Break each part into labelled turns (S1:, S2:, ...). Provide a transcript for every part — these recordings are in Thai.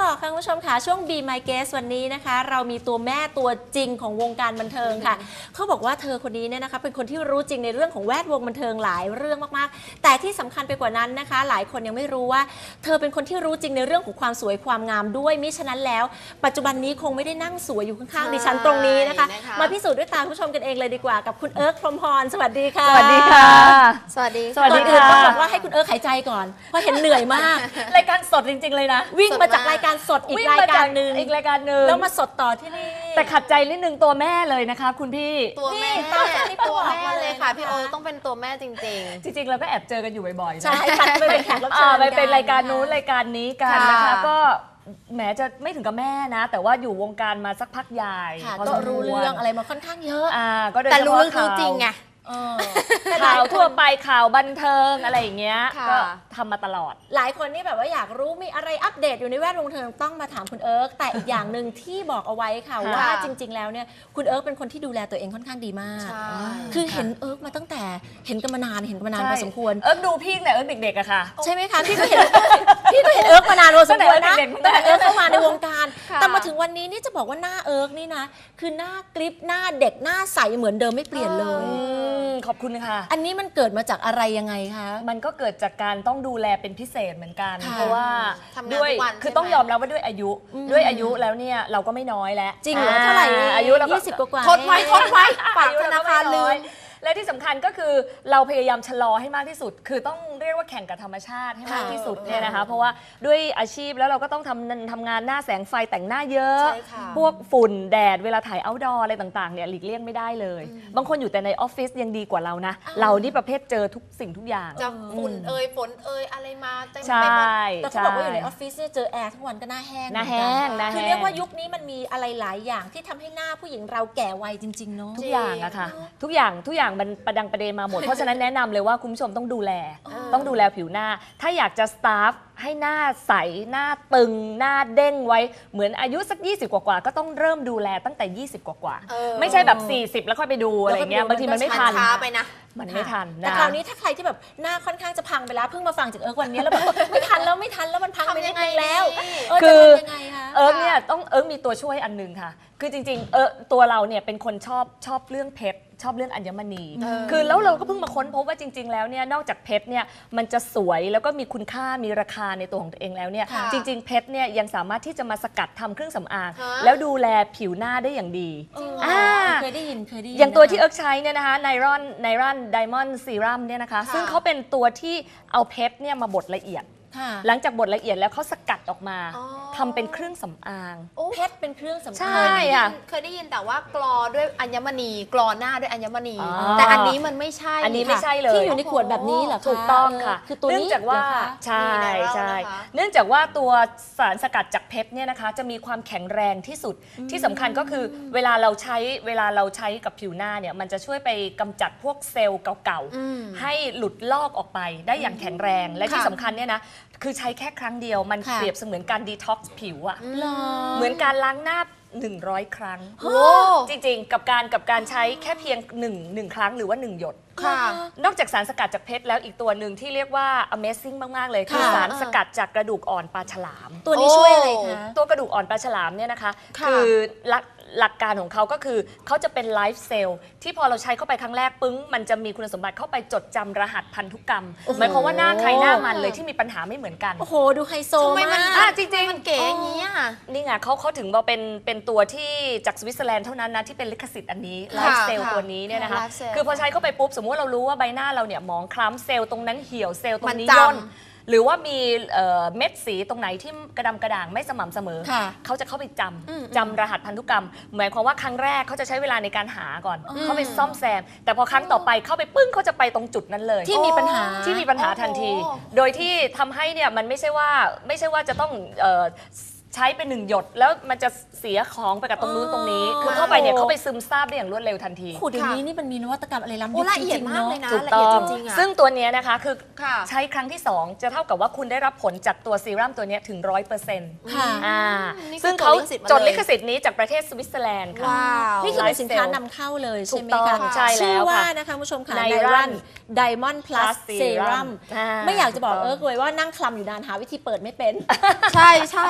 S1: ต่อค่ะคุณผู้ชมค่ะช่วง Be My Guest วันนี้นะคะเรามีตัวแม่ตัวจริงของวงการบันเทิงค่ะเขาบอกว่าเธอคนนี้เนี่ยนะคะเป็นคนที่รู้จริงในเรื่องของแวดวงบันเทิงหลายเรื่องมากๆแต่ที่สำคัญไปกว่านั้นนะคะหลายคนยังไม่รู้ว่าเธอเป็นคนที่รู้จริงในเรื่องของความสวยความงามด้วยมิฉะนั้นแล้วปัจจุบันนี้คงไม่ได้นั่งสวยอยู่ข้างๆดิฉันตรงนี้นะคะมาพิสูจน์ด้วยตาคุณผู้ชมกันเองเลยดีกว่ากับคุณเอิร์กพรหมพรสวัสดีค่ะ
S2: สวัสดีค่ะ
S3: สวัสดี
S2: สวัสดี
S1: ก่อนอื่น
S2: ค่ะ
S1: ต้องบอกว่าให้คุณเอิร์กหายใจก่อนเพราะเห็นเหนื่อยมาก
S2: รายการสดจริงๆเลยนะ
S1: วิ่งมาจากรายการสดอีกรายการหนึ่ง
S2: อีกรายการหนึ่ง
S1: แล้วมาสดต่อที่นี่
S2: แต่ขัดใจนิดนึงตัวแม่เลยนะคะคุณพี่
S3: ตัวแม่
S1: นี่ตอนนี้ก็
S3: ตัว
S1: บอก
S3: แม่
S1: มา
S3: เล
S1: เลย
S3: ยค่ะ
S1: นะคะ
S3: พี่โอต้องเป็นตัวแม่จริง
S2: จริงๆเราก็แอบเจอกันอยู่บ่อยๆนะ
S1: ใช่ค่ะไปเป็นแขกรับเชิญ
S2: ไปเป็นรายการนู้นรายการนี้กันนะคะ
S3: ค่ะ
S2: ก็แหมจะไม่ถึงกับแม่นะ แต่ว่าอยู่วงการมาสักพักใหญ่
S1: ค่ะ
S2: พอ
S1: ก็
S2: สมคว
S1: รู้เรื่องอะไรมาค่อนข้างเยอะ
S2: ก็โดย
S3: ๆ แต่
S2: เฉ
S3: รู้
S2: พาะ
S3: เรื่องรู้จริงไง
S1: เออ
S2: ข่าวทั่วไปข่าวบันเทิงอะไรอย่างเงี้ย
S3: ค่ะ
S2: ก็ทำมาตลอด
S1: หลายคนนี่แบบว่าอยากรู้มีอะไรอัปเดตอยู่ในแวดวงบันเทิงต้องมาถามคุณเอิร์กแต่อีกอย่างหนึ่งที่บอกเอาไว้ค่ะ
S2: ค่ะ
S1: ว่าจริง ๆ แล้วเนี่ยคุณเอิร์กเป็นคนที่ดูแลตัวเองค่อนข้างดีมาก
S3: ใช่
S1: คือเห็นเอิร์กมาตั้งแต่เห็นกันมานานพอสมควร
S2: เอิ๊กดูพี่แต่เอิ๊กเด็กๆอะค่ะ
S1: ใช่ไหมคะพี่ก็เห็นเอิร์กมานานพอสมควรนะ
S2: ตั้งแต่
S1: ตั้งแต่เอิร์กเข้ามาในวงการ
S3: ค่ะ
S1: แต่มาถึงวันนี้นี่จะบอกว่าหน้าเอิร์กนี่นะคือหน้ากริปหน้าเด็กหน้าใสเหมือนเดิมไม่เปลี่ยนเลย
S2: ขอบคุณค่ะ
S1: อันนี้มันเกิดมาจากอะไรยังไงคะ
S2: มันก็เกิดจากการต้องดูแลเป็นพิเศษเหมือนกัน
S1: ค่ะ
S2: เพราะว่า
S3: ทำงาน
S2: ด้วย
S3: ทุกวัน
S2: คือ
S3: ใช่ไหม
S2: ต้องยอมรับว่าด้วยอายุแล้วเนี่ยเราก็ไม่น้อยแล้ว
S1: จริงเหรอเท่าไหร่
S2: อายุเราก็
S1: 20 กว่า
S3: ทดไว้ทดไว้ฝากธนาคารลืม
S2: และที่สำคัญก็คือเราพยายามชะลอให้มากที่สุด คือต้องเรียกว่าแข่งกับธรรมชาติให้มากที่สุดเนี่ยนะคะ เพราะว่าด้วยอาชีพแล้วเราก็ต้องทำงานหน้าแสงไฟแต่งหน้าเยอะ
S3: ใช่ค่ะ
S2: พวกฝุ่นแดดเวลาถ่ายเอาท์ดอร์อะไรต่างๆเนี่ยหลีกเลี่ยงไม่ได้เลย บางคนอยู่แต่ในออฟฟิศยังดีกว่าเรานะ เรานี่ประเภทเจอทุกสิ่งทุกอย่าง
S3: จะฝุ่นฝนอะไรมาเต็ม
S2: ใช่
S3: ไปหมด
S1: แต่เขาบอกว่าอยู่ในออฟฟิศเนี่ยเจอแอร์ทั้งวันก็หน้าแห้ง
S2: หน้าแห้ง
S1: เหมือน
S2: หน้า
S1: กัน
S2: แห้ง
S1: คือเรียกว่ายุคนี้มันมีอะไรหลายอย่างที่ทำให้หน้าผู้หญิงเราแก่วัยจริงๆเนาะ
S2: ทุกอย่างอะค่ะทุกอย่างมันประดังประเดมาหมด เพราะฉะนั้นแนะนำเลยว่าคุณผู้ชมต้องดูแลผิวหน้า ถ้าอยากจะสตาฟให้หน้าใสหน้าตึงหน้าเด้งไว้เหมือนอายุสัก20กว่าก็ต้องเริ่มดูแลตั้งแต่20กว่า ไม่ใช่แบบ40แล้วค่อยไปดูอะไรเงี้ยบางทีมันไม่ทัน
S3: ช้าไปนะ
S2: มันไม่ทัน
S1: แต่
S2: นะ
S1: คราวนี้ถ้าใครที่แบบหน้าค่อนข้างจะพังไปแล้วเพิ่งมาฟังจากเอิร์กวันนี้แล้วแบบ ไม่ทันแล้วมันพังไปนิดนึงแล้ว
S2: คื
S1: จะ
S2: อ
S1: ทำยังไงคะ
S2: เอิร์กเนี่ยมีตัวช่วยอันหนึงค่ะ คือจริงๆตัวเราเนี่ยเป็นคนชอบเรื่องเพชรชอบเรื่องอัญมณี คือแล้วเราก็เพิ่งมาค้นพบว่าจริง ๆ แล้วเนี่ยนอกจากเพชรเนี่ยมันจะสวยแล้วก็มีคุณค่ามีราคาในตัวของตัวเองแล้วเนี่ย
S3: ค่ะ
S2: จริง ๆ เพชรเนี่ยยังสามารถที่จะมาสกัดทำเครื่องสำอาง
S3: ฮะ
S2: แล้วดูแลผิวหน้าได้อย่างดี
S1: เคยได้ยิน
S2: อย่างตัวที่
S1: นะคะ
S2: เอิร์กใช้เนี่ยนะคะไนรอนไดมอนด์ซีรัมเนี่ยนะคะ
S3: ค่ะ
S2: ซึ่งเขาเป็นตัวที่เอาเพชรเนี่ยมาบดละเอียด
S1: ค่ะ
S2: หลังจากบดละเอียดแล้วเขาสกัดออกมา
S3: อ๋อ
S2: ทำเป็นเครื่องสำอาง
S1: เพชรเป็นเครื่องสำ
S2: ใช่
S1: อาง
S2: ค่ะ
S3: เคยได้ยินแต่ว่ากรอด้วยอัญมณีกรอหน้าด้วยอัญมณี
S2: อ๋อ
S3: แต่อันนี้มันไม่ใช่
S2: อันนี้ไม่ใช่เลย
S1: ที่อยู่ในขวดแบบนี้เหรอคะ
S2: ถูกต้องค่ะ
S1: คือตัวนี้
S2: เนื่องจากว่า
S1: เหรอคะ
S2: ใช่
S3: มีไนรัล
S2: ใช่
S3: นะคะ
S2: เนื่องจากว่าตัวสารสกัดจากเพชรเนี่ยนะคะจะมีความแข็งแรงที่สุดที่สำคัญก็คือเวลาเราใช้กับผิวหน้าเนี่ยมันจะช่วยไปกำจัดพวกเซลล์เก่า
S3: อืม
S2: ๆให้หลุดลอกออกไปได้อย่างแข็งแรง และที่
S3: ค่ะ
S2: สำคัญเนี่ยนะคือใช้แค่ครั้งเดียวมัน
S1: ค่ะ
S2: เปรียบเสมือนการดีท็อกซ์ผิวอะ
S1: หรอ
S2: เหมือนการล้างหน้า 100 ครั้ง
S3: โอ้
S2: จริงๆ กับการใช้แค่เพียง1ครั้งหรือว่า 1 หยด
S3: ค่ะ
S2: นอกจากสารสกัดจากเพชรแล้วอีกตัวหนึ่งที่เรียกว่า Amazing มาก ๆ เลยคือ
S1: ค่ะ
S2: สารสกัดจากกระดูกอ่อนปลาฉลาม
S1: ตัวนี้ช่วยอะไรคะ
S2: ตัวกระดูกอ่อนปลาฉลามเนี่ยนะคะ
S3: ค่ะ
S2: อหลักการของเขาก็คือเขาจะเป็นไลฟ์เซลล์ที่พอเราใช้เข้าไปครั้งแรกปึ้งมันจะมีคุณสมบัติเข้าไปจดจำรหัสพันธุกรรม หมายความว่าหน้าใครหน้ามันเลยที่มีปัญหาไม่เหมือนกัน
S1: โอ้โหดูไฮโซ
S3: ทำไมมัน
S1: มาก
S2: จริงๆ
S3: มันเก๋อย่างนี้อ่ะ
S2: นี่ไงเขาถึงมาเป็นตัวที่จากสวิตเซอร์แลนด์เท่านั้นนะที่เป็นลิขสิทธิ์อันนี้ไล
S3: ค่ะ
S2: ฟ์เซลล์
S3: ค่ะ
S2: ตัวนี้เนี่ยนะคะ
S3: Life Cell
S2: คือพอใช้เข้าไปปุ๊บ สมมติว่าเรารู้ว่าใบหน้าเราเนี่ยหมองคล้ำเซลล์ตรงนั้นเหี่ยวเซลล์ตรงนี้
S3: มันจำ
S2: ย่นหรือว่ามีเม็ดสีตรงไหนที่กระดำกระด่างไม่สม่ำเสมอ
S1: ค่ะ
S2: เขาจะเข้าไปจำรหัสพันธุกรรม หมายความว่าครั้งแรกเขาจะใช้เวลาในการหาก่อน เขาไปซ่อมแซม แต่พอครั้งต่อไปเข้าไปปึ้งเขาจะไปตรงจุดนั้นเลย
S1: ที่มีปัญหา
S2: ที่มีปัญหาทันที
S3: โอ้
S2: โดยที่ทำให้เนี่ยมันไม่ใช่ว่าจะต้องใช้เป็น1 หยด แล้วมันจะเสียของไปกับตรงนู้นตรงนี้ คือเข้าไปเนี่ยเขาไปซึมซาบได้อย่างรวดเร็วทันที
S1: โอ้โหเดี๋ยวนี้นี่มันมีนวัตกรรมอะไรล้ำ
S3: โอ้
S1: ยุค
S3: ละ
S1: จ
S3: เอีย
S1: ริ
S3: ด
S1: งๆ
S3: มาก
S1: เนาะ
S3: เลยนะ
S2: ถูก
S3: ละ
S2: ต้
S3: เอีย
S2: อ
S3: ด
S2: ง
S3: จริงๆอ่ะ
S2: ซึ่งตัวเนี้ยนะคะคือ
S3: ค่ะ
S2: ใช้ครั้งที่ 2 จะเท่ากับว่าคุณได้รับผลจากตัวซีรั่มตัวเนี้ยถึง 100%
S1: ค่ะ
S3: นี่คือ
S2: ซึ่งเขา
S3: จดลิขสิทธิ์มาเลย
S2: จดลิขสิทธิ์นี้จากประเทศสวิตเซอร์แลนด์ค่ะ
S3: ว้าว
S1: นี่คือเป็นสินค้านำเข้าเลยใช่ไหม
S2: ถูกต้
S1: คะ
S2: องใช่แล้ว
S1: ชื่อว่า
S2: ค่ะ
S1: นะคะคุณผู้ชมค่ะ
S2: Nairon
S1: Diamond Plus
S2: Plus
S1: Serum
S2: Serum
S1: ไม่อยากจะบอก
S2: ถูกต้อง
S1: เลยว่านั่งคลำอยู่นานหาวิธีเปิดไม่เป็น
S3: ใช่ใช่
S1: พูดแล้วก็อ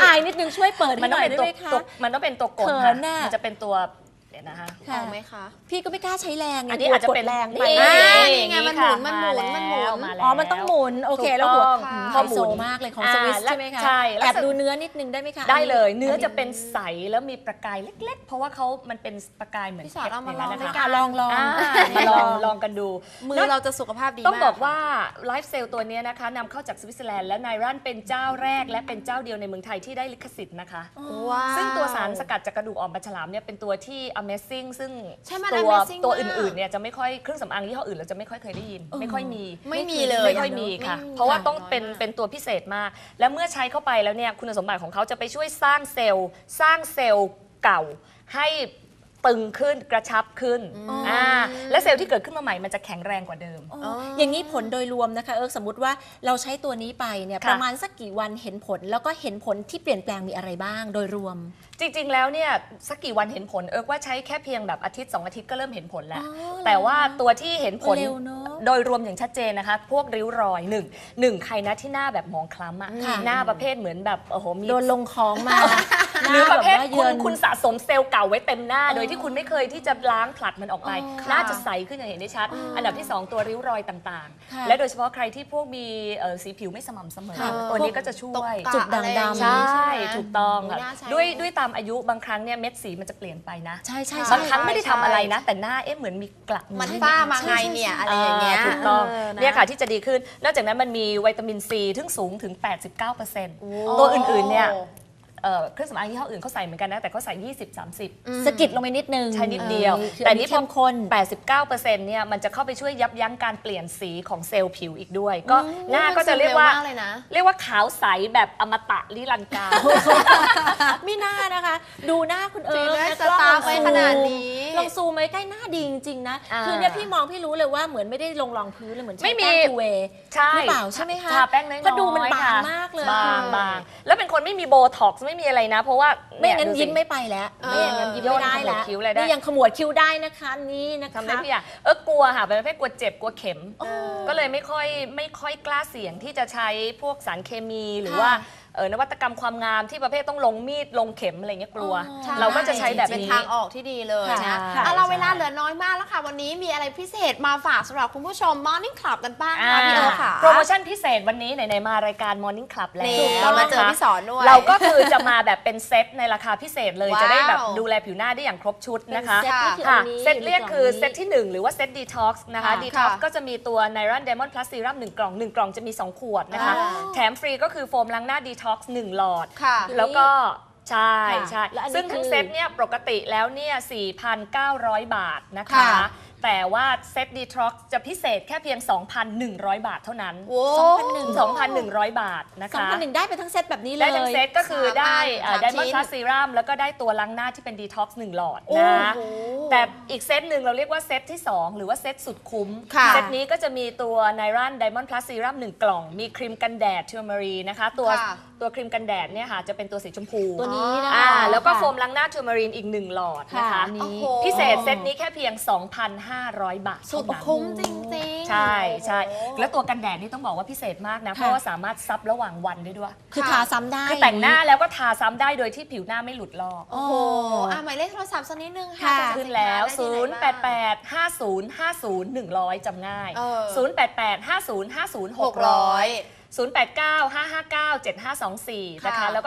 S1: ายนิดนึงช่วยเปิด
S2: มั
S1: ให้
S2: น
S1: ห
S2: ต้อ
S1: น่
S2: ง
S1: อย
S2: เป็น
S1: ได้
S2: ตัว
S1: ไหมคะ
S2: มันต้องเป็นตัวกด
S1: เขิ
S2: ค่ะ
S1: นน่ะ
S2: มันจะเป็นตัวเดี๋ยวนะคะ
S1: ค่ะ
S3: เอาไหมคะ
S1: พี่ก็ไม่กล้าใช้แรงไง
S2: อันนี้
S1: กลัว
S2: อาจจะเป็น
S1: กดแรงไป
S3: นี่ไงมันหมุนมันหมุนมันหมุน
S2: มาแล้ว
S1: อ๋อมันต้องหมุนโอเคแล้วหัว
S3: ค่ะ
S1: ไฮโซมากเลยของสวิสใช่ไหมคะ
S2: ใช่
S1: แอบดูเนื้อนิดนึงได้ไหมคะ
S2: ได้เลยเนื้อจะเป็นใสแล้วมีประกายเล็กๆ เพราะว่ามันเป็นประกายเหมือน
S3: พี่สอนเอามาลอง
S2: พชร
S3: ด้วย
S2: ย่
S3: กั
S2: นั้น น
S1: ลองลอง
S2: มาลองกันดู
S3: มือเราจะสุขภาพดีมาก
S2: ต้องบอกว่าไลฟ์เซลตัวนี้นะคะนำเข้าจากสวิตเซอร์แลนด์และไนรันเป็นเจ้าแรกและเป็นเจ้าเดียวในเมืองไทยที่ได้ลิขสิทธิ์นะคะ
S3: ว้าว
S2: ซึ่งตัวสารสกัดจากกระดูกอ่อนปลาฉลามเนี่ยเป็นตัวที่ Amazing ซึ่ง
S3: ใช่มัน
S2: ตัว
S3: Amazing
S2: ตัว
S3: มาก
S2: อื่นๆเนี่ยจะไม่ค่อยเครื่องสำอางยี่ห้ออื่นเราจะไม่ค่อยเคยได้ยิน ไม่ค่อยมี
S3: ไม่มีเลย
S2: ไม่ค่อยมีค่ะ
S3: ไม่มี
S2: เพราะว่าต้อง
S3: น้อย
S2: เป็น
S3: มาก
S2: เป็นตัวพิเศษมาก และเมื่อใช้เข้าไปแล้วเนี่ยคุณสมบัติของเขาจะไปช่วยสร้างเซลล์เก่าให้ตึงขึ้นกระชับขึ้นและเซลล์ที่เกิดขึ้นมาใหม่มันจะแข็งแรงกว่าเดิม
S1: อย่างนี้ผลโดยรวมนะคะสมมติว่าเราใช้ตัวนี้ไปเนี่ย
S2: ค่ะ
S1: ประมาณสักกี่วันเห็นผล แล้วก็เห็นผลที่เปลี่ยนแปลงมีอะไรบ้างโดยรวม
S2: จริงๆ แล้วเนี่ยสักกี่วันเห็นผลว่าใช้แค่เพียงแบบอาทิตย์2อาทิตย์ก็เริ่มเห็นผลแล้ว
S1: อ๋อเหรอ
S2: แต่ว่าตัวที่เห็นผล
S1: เร็วเนอะ
S2: โดยรวมอย่างชัดเจนนะคะ พวกริ้วรอยหนึ่งใครนะที่หน้าแบบหมองคล้ำอะ
S1: ค่ะ
S2: หน้าประเภทเหมือนแบบโอ้โหมี
S1: โดนลงของมา
S2: หรือประเภท
S1: หน้าแบบว่า
S2: คุ
S1: เยิ
S2: ณ
S1: น
S2: คุณสะสมเซลล์เก่าไว้เต็มหน้า โดยที่คุณไม่เคยที่จะล้างผลัดมันออกไป
S3: อ๋อค่ะ
S2: หน้าจะใสขึ้นอย่างเห็นได้ชัด อันดับที่ 2 ตัวริ้วรอยต่าง
S1: ค่ะ
S2: ๆ และโดยเฉพาะใครที่พวกมีสีผิวไม่สม่ำเสมอ
S1: ค่ะ
S2: ตัวนี้ก็จะช่วย
S1: จุดด่างดำ
S2: ใช่
S3: ไหม
S2: ถูกต้องค่ะ
S3: น่าใช้
S2: ด้วยตามอายุบางครั้งเนี่ยเม็ดสีมันจะเปลี่ยนไปนะ
S1: ใช่ใช่
S2: บา
S1: ใช่
S2: งครั้งไม่ได้ทำอะไรนะ แต่หน้าเหมือนมีกระ
S3: มันฝ้ามาไงเนี่ยอะไรอย่างเงี้ย
S2: ถูกต้อง
S3: นะ
S2: เนี่ยค่ะที่จะดีขึ้น นอกจากนั้นมันมีวิตามินซีที่สูงถึง 89%ตัวอื่นๆเนี่ยเครื่องสำอางยี่ห้ออื่นเขาใส่เหมือนกันนะแต่เขาใส่ 20-30
S1: สะกิดลงไปนิดนึง
S2: ใช่นิดเดียว
S1: คือ
S2: แต่
S1: อัน
S2: นี่
S1: นี้เข้มข้น
S2: 89%เนี่ยมันจะเข้าไปช่วยยับยั้งการเปลี่ยนสีของเซลล์ผิวอีกด้วย ก็หน้าก็จะเรียกว่า
S3: มันซึมเร็วมากเลยนะ
S2: เรียกว่าขาวใสแบบอมตะลิรันการ
S1: ไม่น่านะคะ ดูหน้าคุณ
S3: จริง
S1: นะ
S3: สตาร์ฟไว้ขนาดนี้
S1: ลองซูมไว้ใกล้หน้าดีจริงๆนะ
S2: อ่า
S1: คือเนี่ยพี่มองพี่รู้เลยว่าเหมือนไม่ได้ลงรองพื้นเลยเหมือนใช้
S2: ไม่มี
S1: แป้งทูเวย์
S2: ใช่
S1: หรือเปล่าใช่ไหมคะ
S2: ทาแป้งน้อยๆ
S1: ก็ดูมันบาง
S2: ค่ะ
S1: มากเลย
S2: บางแล้วเป็นคนไม่มีโบท็อกซ์ไม่มีอะไรนะ เพราะว่า
S1: ไม่งั้น
S2: ดูสิ
S1: ยิ้มไม่ไปแล้ว ไม่อย่างนั้นยิ้มไม่ได้
S2: ย่
S1: แล้ว
S2: นขมวดคิ้วอะไรได้
S1: นี่ยังขมวดคิ้วได้นะคะนี่นะคะ
S2: ทำได้ทุกอย่างกลัวค่ะเป็นประเภทกลัวเจ็บกลัวเข็ม ก็เลยไม่ค่อยกล้าเสี่ยงที่จะใช้พวกสารเคมีหรือว่านวัตกรรมความงามที่ประเภทต้องลงมีดลงเข็มอะไรเงี้ยกลัว
S1: ใช่
S2: เราก็จะใช้แบบ
S3: เป็น
S2: นี้
S3: ทางออกที่ดีเลย
S1: ค่ะ
S3: นะ
S2: ค่ะ
S3: เอาเรา
S2: ใช่
S3: เวลาเหลือน้อยมากแล้วค่ะ วันนี้มีอะไรพิเศษมาฝากสำหรับคุณผู้ชม Morning Club กันบ้างค่ะพี่เอิร์ธค่ะ
S2: โปรโมชั่นพิเศษวันนี้ไหนๆมารายการ Morning Club แล้ว
S3: นี่เรามาเจอ
S2: นะคะ
S3: พี่สอนด้วย
S2: เราก็คือจะมาแบบเป็นเซตในราคาพิเศษเลย
S3: ว้าว
S2: จะได้แบบดูแลผิวหน้าได้อย่างครบชุดนะคะ
S1: เซตนี่คือ
S2: ค่ะ
S1: อันนี้
S2: เซตเรียกคือ
S1: ในกล่งนี้
S2: เซตที่ 1 หรือว่าเซต Detox นะคะ
S3: ค่ะ
S2: Detox
S3: ค่ะ
S2: ก็จะมีตัว Niron Diamond Plus Serum 1 กล่อง 1 กล่องจะมี 2 ขวดนะคะ
S3: อ๋อ
S2: แถมฟรีก็คือโฟมล้างหน้า Detox 1 หลอด
S3: ค่ะ
S2: แล้วก็ใช่
S1: ค่ะ
S2: ใช่
S1: และอันนี้
S2: ซึ่งทั้ง
S1: คือ
S2: เซตเนี่ยปกติแล้วเนี่ย 4,900 บาทนะคะ
S3: ค่ะ
S2: แต่ว่าเซต Detox จะพิเศษแค่เพียง 2,100 บาทเท่านั้น
S3: โอ้
S2: 2,100 บาทนะคะ
S1: 2,100ได้ไปทั้งเซตแบบนี้เลย
S2: ได้ทั้งเซตก็คือได้
S3: สาม
S2: ไดมอน
S3: ชิ้
S2: ด์
S3: น
S2: พลัสซีรัมแล้วก็ได้ตัวล้างหน้าที่เป็นดีท็อกซ์1หลอด
S3: โอ้
S2: นะ
S3: โห
S2: แต่อีกเซตหนึ่งเราเรียกว่าเซตที่ 2 หรือว่าเซตสุดคุ้ม
S3: ค่ะ
S2: เซตนี้ก็จะมีตัวไนรันไดมอนด์พลัสซีรัม1กล่อง มีครีมกันแดดเทอร์มารีนะคะตัว
S3: ค่ะ
S2: ตัวครีมกันแดดเนี่ยค่ะจะเป็นตัวสีชมพู
S1: ตัวนี้นะคะ
S2: แล้วก็
S1: ค่ะ
S2: โฟมล้างหน้าเทอร์มารีนอีก1หลอดนะคะ
S1: ค่ะนี่
S3: โอ้โห
S2: พิเศษเซตนี้แค่เพียง 2,500 บาท
S3: สุ
S2: เท่า
S3: ด
S2: นั้น
S3: คุ้มจริงๆ
S2: ใช่ใช่
S3: โอ้โห
S2: แล้วตัวกันแดดนี่ต้องบอกว่าพิเศษมากนะ เพราะว่าสามารถซับระหว่างวันได้ด้วย
S1: คือทาซ้ำได้
S2: คือแต่งหน้าแล้วก็ทาซ้ำได้โดยที่ผิวหน้าไม่หลุดลอก
S3: โอ้โหหมายเลขโทรศัพท์สักนิดนึงค่ะ
S1: ค่ะ
S3: จะ
S2: ขึ้นแล้ว
S3: สินค้าได้ที่ไหนบ้าง
S2: 0885050100 จำง่าย
S3: เออ
S2: 0885050600
S3: 600
S2: 0895597524 นะคะ
S3: ค่ะ
S2: แล้วก็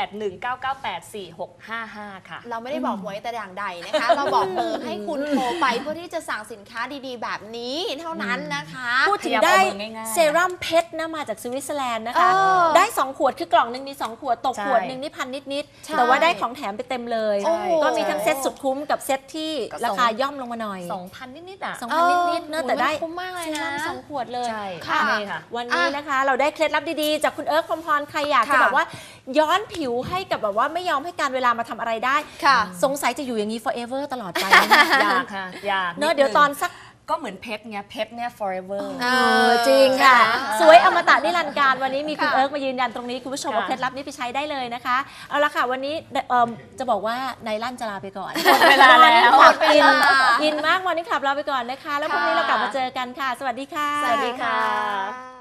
S2: 0819984655 ค่ะ
S3: เราไม่ได้บอกหวยแต่อย่างใดนะคะ เราบอกเบอร์ให้คุณโทรไปเพื่อที่จะสั่งสินค้าดีๆ แบบนี้เท่านั้นนะคะ
S1: พูดถึง
S2: พยายาม
S1: ได้
S2: เอามือง่ายๆ
S1: เซรั่มเพชรนะมาจากสวิตเซอร์แลนด์นะคะ
S3: เออ
S1: ได้ 2 ขวดคือกล่องหนึ่งมี 2 ขวดตก
S2: ใช่
S1: ขวดหนึ่งนี่พันนิด
S3: ใช่
S1: ๆ แต่ว่าได้ของแถมไปเต็มเลย
S3: โอ้โห
S1: ก็มีทั้งเซตสุดคุ้มกับเซตที่
S2: ก็
S1: ราคาย่อมลงมาหน่อย
S2: 2,000 นิดๆอ่ะ
S1: 2,000 นิดๆเนอะแต่ได้
S3: คุ้มมากเลย
S1: เซ
S3: นะ
S1: รั่ม2 ขวดเลย
S2: ใช่
S3: ค่ะ
S2: นี่ค่ะ
S1: วันนี้นะคะเราได้เคล็ดลับดีๆ จากคุณเอิร์ธพรหมพรใครอยากจะ
S3: ค่ะ
S1: แบบว่าย้อนผิวให้กับแบบว่าไม่ยอมให้การเวลามาทำอะไรได้
S3: ค่ะ
S1: สงสัยจะอยู่อย่างนี้ forever ตลอดไป
S2: อยากค่ะอยาก
S1: เนอะเดี๋ยวตอนสัก
S2: ก็เหมือนเพชรไงเพชรเนี่ย forever
S1: จริงค่ะ
S3: ค่ะ
S1: สวยอมตะนิรันดร์การวันนี้มีคุณ
S3: ค่ะ
S1: เอิร์กมายืนยันตรงนี้ คุณผู้ชม
S2: ค่ะ
S1: เอาเคล็ดลับนี้ไปใช้ได้เลยนะคะ เอาละค่ะ วันนี้จะบอกว่าไนลั่นจะลาไปก่อน
S2: หมดเวลาแล้ว
S1: หมดเวลา
S3: หมดเวลา
S1: อินมากวันนี้ขับลาไปก่อนนะคะ แล้วพรุ่งนี้เรากลับมาเจอกันค่ะ สวัสดีค่ะ
S2: สวัสดีค่ะ
S3: ค่ะ